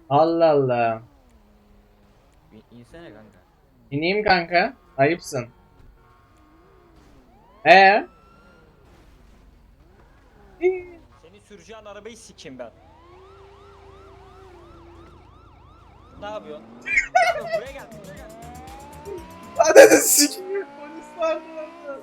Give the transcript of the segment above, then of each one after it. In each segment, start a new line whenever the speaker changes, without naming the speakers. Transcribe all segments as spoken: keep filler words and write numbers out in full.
Allah Allah.
Bir insene kanka.
İneyim kanka. Ayıpsın. Ee? İyi.
Seni süreceğin arabayı sikeyim ben. Ne yapıyorsun? Ne yapıyorsun? Buraya gel. Buraya gel.
Hadi de sikeyim. Polis vardı orada.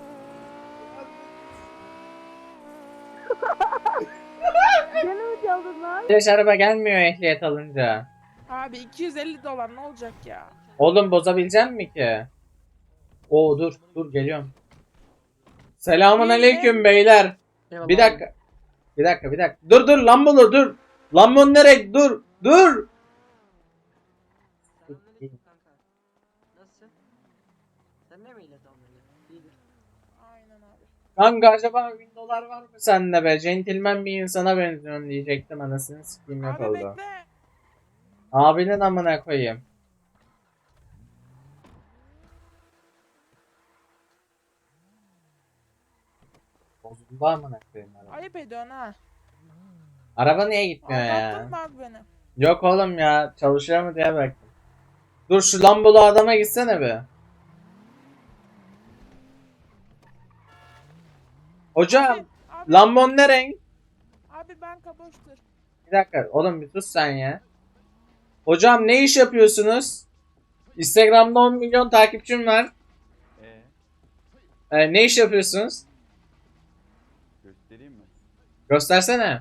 Gene mi çaldın lan?
Flash araba gelmiyor ehliyet alınca.
Abi iki yüz elli dolar ne olacak ya?
Oğlum bozabilecek mi ki? Oo dur dur geliyorum. Selamun aleyküm beyler.
Eyvallah
Bir
abi.
dakika. Bir dakika bir dakika. Dur dur Lambolu dur. Lambon nereye? Dur. Dur.
Selamünaleyküm kanka. Nasılsın? Sen ne miyle tamam öyle? İyidir.
Aynen abi.
Kanka acaba bin dolar var mı sende be? Centilmen bir insana benziyorsun diyecektim anasını sikeyim yok
Abi
oldu.
bekle.
Abinin amına koyayım. Bozuldu amına koyayım araba.
Ayıp ediyorsun ha.
Araba niye gitmiyor ya?
Aldattın mı abi beni?
Yok oğlum ya çalışıyor mu diye baktım. Dur şu Lambolu adama gitsene be. Hocam
Abi, abi,
Lambon ne renk?
abi ben kaboştur.
Bir dakika oğlum bir sus sen ya. Hocam ne iş yapıyorsunuz? Instagram'da on milyon takipçim var.
Ee,
Ee, ne iş yapıyorsunuz?
göstereyim mi?
Göstersene.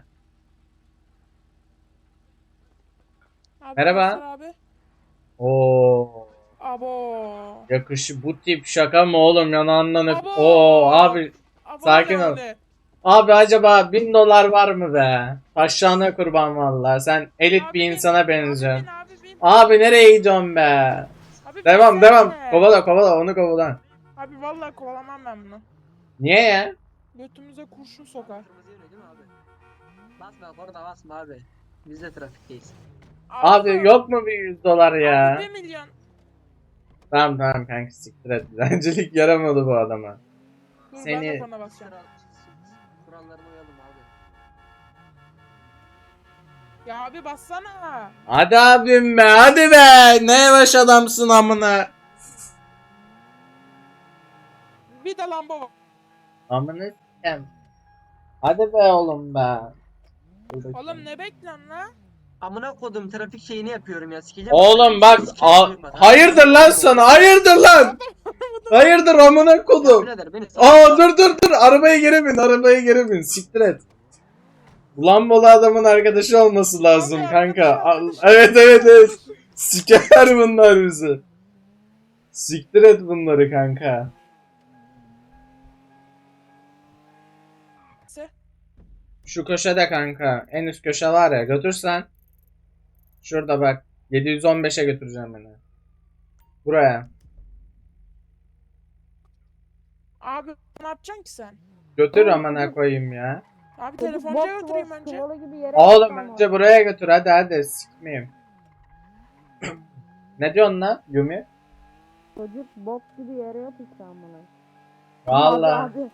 Abi,
Merhaba.
göster Abi.
Oo.
Abo.
Yakışı bu tip şaka mı oğlum yanağından öp.
Abo.
Oo abi.
Abo
Sakin
ne
ol.
öyle?
Abi acaba bin dolar var mı be? Taşlarına kurban vallahi. Sen elit
Abi
bir
bin,
insana benziyorsun.
Abi bin abi bin.
Abi nereye gidiyorsun be?
Abi
Devam
binsene.
devam. Kovala kovala onu kovala.
Abi vallahi kovalamam ben bunu.
Niye ya?
Götümüze kurşun sokar.
Kırmızı yönü değil mi abi? Basma orada basma abi. Biz de trafikteyiz.
Abi yok mu bir yüz dolar ya?
Abi bir milyon.
Tamam tamam kanka siktir et. Dilencilik yaramadı bu adama.
Dur ben
Seni-
de korna basacağım.
Kural- Kurallarına uyalım abi.
Ya abi bassana.
Hadi abim be hadi be. Ne yavaş adamsın amına.
Bir de lamba var.
Amına s**eyim. Hadi be oğlum be.
Oğlum ne bekliyorsun lan?
Amına kodum trafik şeyini yapıyorum ya sikeceğim.
Oğlum bak
Sikeceğim,
a-
duyma.
hayırdır lan sana hayırdır lan. Hayırdır amına
Ya
kodum.
birader beni
Aa dur dur dur arabaya geri bin arabaya geri bin siktir et. Lambolu adamın arkadaşı olması lazım
Abi,
kanka.
arkadaşı,
Al-
arkadaşı.
Evet evet evet. Siker bunlar bizi. Siktir et bunları kanka.
Se-
Şu köşede kanka. En üst köşe var ya götürsen. Şurada bak. yedi yüz on beşe götüreceğim beni. Buraya.
Abi ne yapacaksın ki sen?
Götür amına koyayım ya.
Abi
Çocuk
telefoncuya
bok
götüreyim
gibi,
önce.
sıvalı gibi yere
Oğlum
yatma
önce
ama.
buraya götür hadi hadi sikmeyeyim. Ne diyorsun lan Yumi?
Çocuk bok gibi yere yat işte amına.
Valla.
Abi,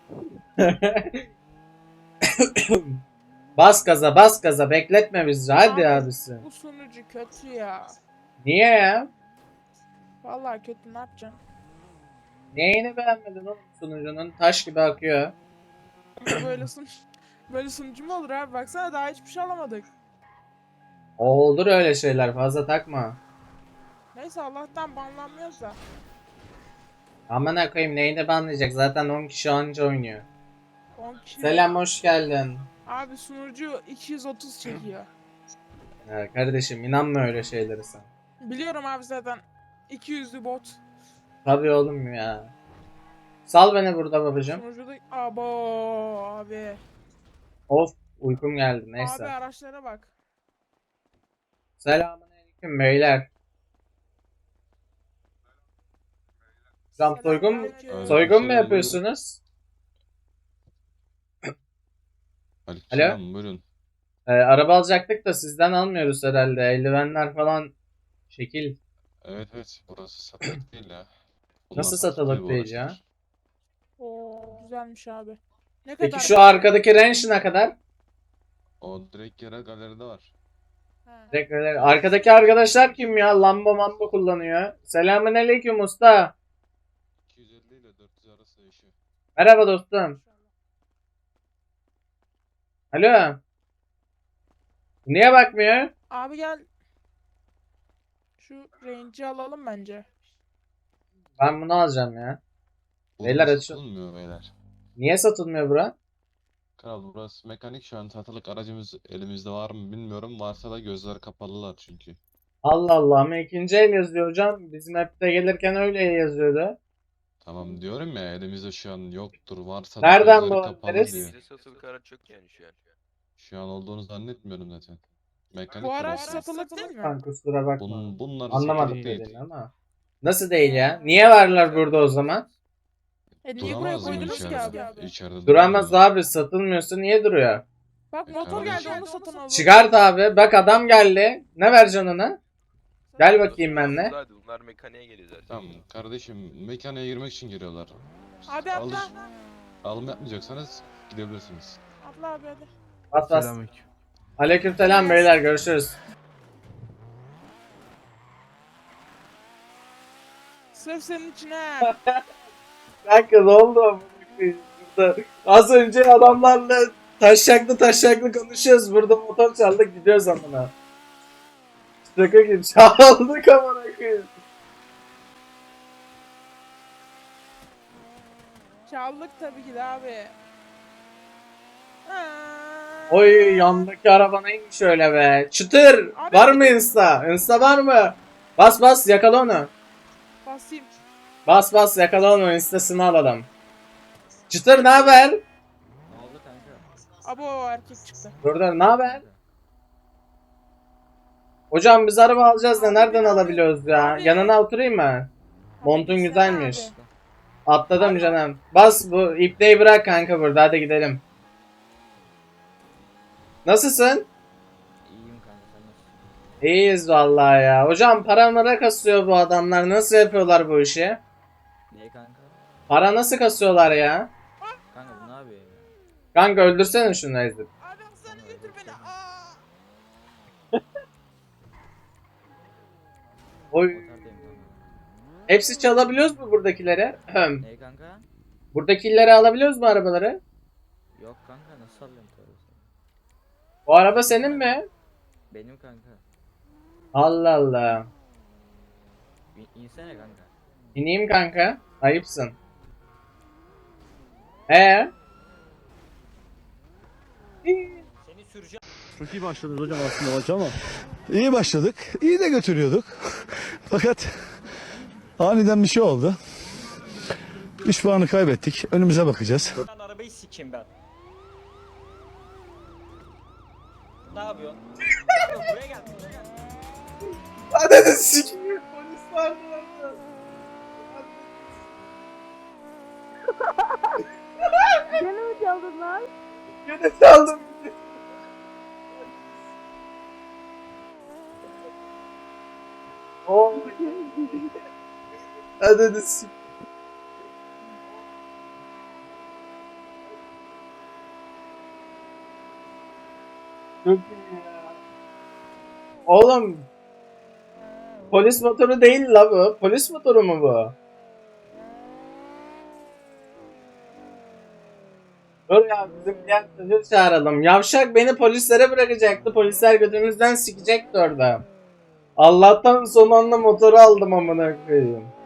Bas gaza bas gaza bekletme bizi hadi
Abi,
abisi.
Bu sunucu kötü ya.
Niye ya?
Vallahi kötü ne yapacaksın?
Neyini beğenmedin oğlum sunucunun? Taş gibi akıyor.
böyle sun böyle sunucu mu olur abi? Baksana daha hiçbir şey alamadık.
Olur öyle şeyler fazla takma.
Neyse Allah'tan banlanmıyoruz da.
Amına koyayım neyini banlayacak zaten on kişi anca oynuyor.
on kişi.
Selam hoş geldin.
Abi sunucu iki yüz otuz çekiyor.
Ya kardeşim inanma öyle şeylere sen.
Biliyorum abi zaten. iki yüzlü bot.
Tabii oğlum ya. Sal beni burada babacım.
Sunucuda abo abi.
Of uykum geldi
Abi
neyse.
araçlara bak.
Selamünaleyküm beyler. Hocam soygun mu?
Selamünaleyküm.
Soygun mu
Selam,
yapıyorsunuz?
Aleykümselam, buyurun.
Ee, araba alacaktık da sizden almıyoruz herhalde. Eldivenler falan şekil.
Evet evet, burası satılık değil ya.
Nasıl
satılık
satılık
bu
değil ya?
araçlar.
Oo güzelmiş abi. Ne
Peki
kadar?
şu arkadaki range ne kadar?
O direkt yere galeride var.
Ha.
Teşekkür ederim. Arkadaki arkadaşlar kim ya? Lamba mamba kullanıyor. Selamünaleyküm usta.
iki yüz elli ile dört yüz arası değişiyor.
Merhaba dostum. Alo. Niye bakmıyor?
Abi gel. Şu range'i alalım bence.
Ben bunu alacağım ya.
Burada
Beyler açın.
satılmıyor beyler.
Niye satılmıyor bura?
Kral burası mekanik, şu an satılık aracımız elimizde var mı bilmiyorum. Varsa da gözler kapalılar çünkü.
Allah Allah ama ikinci el yazıyor hocam. Bizim app'te gelirken öyle yazıyordu.
Tamam diyorum ya, elimizde şu an yoktur. Varsa da
Nereden
gözleri
bu
kapalı
adres?
diyor.
Bizde satılık araç yok yani şu an.
Şu an olduğunu zannetmiyorum zaten. Mekanik
Bu araç
burası.
satılık değil mi?
Kanka kusura bakma.
Bun, bunlar
Anlamadım
satılık değil.
dediğini ama. Nasıl değil ya? Niye varlar burada o zaman?
E niye buraya
Duramaz mı
koydunuz ki
içeride?
abi?
İçeride
Duramaz
duramıyor.
abi, satılmıyorsa niye duruyor?
Bak
E
motor geldi
kardeşim.
onu satın alalım.
Çıkart abi. Bak adam geldi. Ne vereceksin ona? Gel bakayım benimle.
Hadi bunlar mekaniğe geliyor zaten.
Tamam kardeşim, mekaniğe girmek için giriyorlar.
Abi atla.
Alış- alım yapmayacaksanız gidebilirsiniz.
Atla abi hadi.
Bas bas. Aleykümselam beyler, görüşürüz.
Sırf senin için ha.
Kanka ne oldu? Burada az önce adamlarla taşaklı taşaklı konuşuyoruz. Burada motor çaldık gidiyoruz amına. Şaka gibi çaldık amına koyayım.
Çaldık tabii ki de abi. Aa.
Oy, yandaki araba neymiş öyle be. Çıtır.
Abi-
Var mı insta? Insta var mı? Bas bas yakala onu.
Basayım.
Bas bas yakala onu, instasını alalım. Çıtır ne haber?
Ne oldu kanka?
Abo o erkek çıktı.
Burada ne haber? Hocam biz araba alacağız da nereden alabiliyoruz ya?
Abi.
Yanına oturayım mı?
Hadi
Montun
gitsene
güzelmiş.
abi.
Atladım canım. Bas bu ipneyi bırak kanka burada, hadi gidelim. Nasılsın?
İyiyim kanka sen nasılsın?
İyiyiz vallahi ya. Hocam para mara kasıyor bu adamlar. Nasıl yapıyorlar bu işi?
Niye kanka?
Para nasıl kasıyorlar ya?
Kanka bu ne yapıyor ya?
Kanka öldürsene şunu ezip.
Abi hastaneye götür beni. Aa.
Oy.
Otardayım kanka.
Hepsi çalabiliyoruz mu buradakileri? Ahem.
Ne kanka?
Buradakileri alabiliyoruz mu arabaları?
Yok kanka nasıl alıyorum tabii.
Bu araba senin mi?
Benim kanka.
Allah Allah.
İn, insene kanka.
İneyim kanka. Ayıpsın. Ee?
Seni süreceğim.
Çok iyi başladınız hocam aslında maç ama. İyi başladık. İyi de götürüyorduk. Fakat aniden bir şey oldu. üç puanı kaybettik. Önümüze bakacağız.
Ben arabayı sikeyim ben. Ne yapıyorsun? Kanka buraya gel. Buraya gel.
Hadi de sikiyim. Polis var orada.
Gene mi çaldın lan?
Gene çaldım. Oh. Hadi de sikiyim. Çok iyi ya. Oğlum. Polis motoru değil la bu. Polis motoru mu bu? Dur ya, bizim diğer çocuğu çağıralım. Yavşak beni polislere bırakacaktı. Polisler götümüzden sikecekti orada. Allah'tan son anda motoru aldım amına koyayım.